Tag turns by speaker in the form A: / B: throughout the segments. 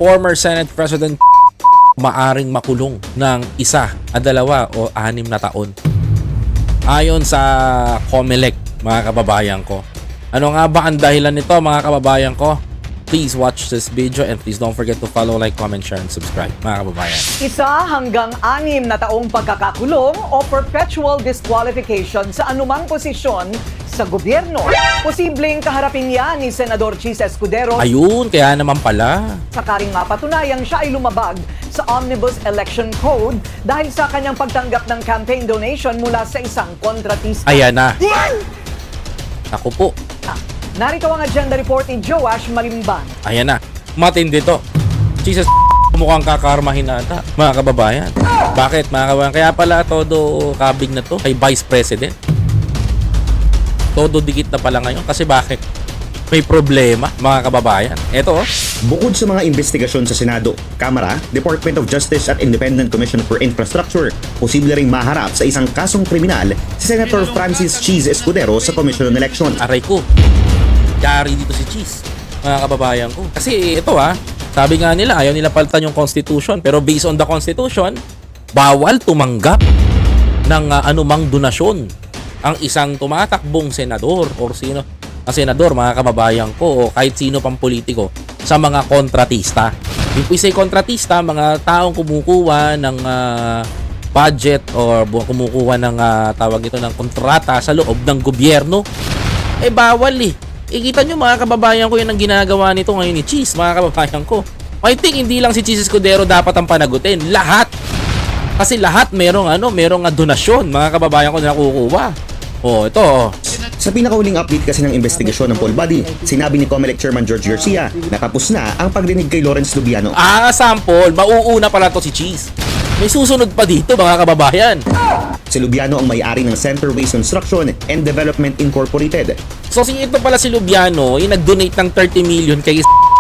A: former Senate President maaring makulong ng 1, 2 o 6 na taon. Ayon sa COMELEC, mga kababayan ko. Ano nga ba ang dahilan nito, mga kababayan ko? Please watch this video and please don't forget to follow, like, comment, share, and subscribe, mga kababayan.
B: 1 hanggang 6 na taong pagkakakulong o perpetual disqualification sa anumang posisyon sa gobyerno. Posibleng kaharapin yan ni Senador Chis Escudero
A: Ayun, kaya naman pala.
B: sakaring mapatunayang siya ay lumabag sa Omnibus Election Code dahil sa kanyang pagtanggap ng campaign donation mula sa isang kontratista.
A: Ayan na. Ako po.
B: Narito ang agenda report ni Joash Malimban.
A: Ayan na. Matindi to. Jesus, mukhang kakarmahin na ata, mga kababayan. Bakit, mga kababayan? Kaya pala todo kabig na to kay Vice President. Todo dikit na pala ngayon. Kasi bakit? May problema, mga kababayan. Eto,
C: Bukod sa mga investigasyon sa Senado, Kamara, Department of Justice at Independent Commission for Infrastructure, posible ring maharap sa isang kasong kriminal si Senator Francis Chis Escudero sa Commission on Election.
A: aray ko. Yari dito si Cheese, mga kababayan ko. Kasi ito sabi nga nila, ayaw nila palitan yung Constitution. Pero based on the Constitution, bawal tumanggap ng anumang donasyon ang isang tumatakbong senador or sino ang senador, mga kababayan ko, o kahit sino pang politiko sa mga kontratista. Yung we say kontratista, mga taong kumukuha ng budget or kumukuha ng tawag ito ng kontrata sa loob ng gobyerno, bawal Ikita nyo, mga kababayan ko, yun ang ginagawa nito ngayon ni Cheese, mga kababayan ko. I think hindi lang si Cheese Escudero dapat ang panagutin, lahat. Kasi lahat merong donasyon, mga kababayan ko, na nakukuha. Ito.
C: Sa pinakauling update kasi ng investigasyon ng poll body, sinabi ni COMELEC Chairman George Garcia na tapos na ang pagdinig kay Lawrence Lubiano.
A: Sample, mauuna pala to si Cheese. May susunod pa dito, mga kababayan.
C: Si Lubiano ang may-ari ng Centerways Construction and Development Incorporated.
A: So, ito pala si Lubiano, yung nag-donate ng 30 million kay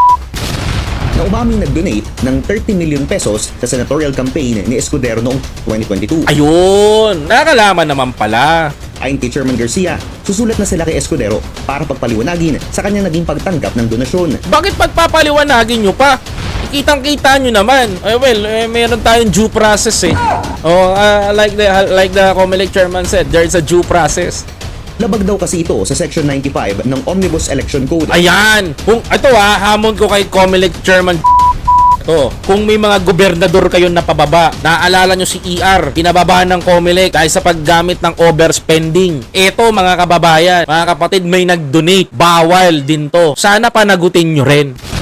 C: Na umaming nag-donate ng 30 million pesos sa senatorial campaign ni Escudero noong 2022.
A: Ayun, nakakalaman naman pala.
C: Ayon kay Chairman Garcia, susulat na sila kay Escudero para pagpaliwanagin sa kanyang naging pagtanggap ng donasyon.
A: Bakit pagpapaliwanagin nyo pa? Kitang-kita nyo naman. Meron tayong due process like the COMELEC chairman said, there's a due process.
C: Labag daw kasi ito sa Section 95 ng Omnibus Election Code.
A: Ayan. Ito hamon ko kay COMELEC chairman. Kung may mga gobernador kayo na pababa, naaalala nyo si ER, pinababa ng COMELEC dahil sa paggamit ng overspending. Ito, mga kababayan, mga kapatid, may nag-donate. Bawal din to. Sana panagutin nyo rin.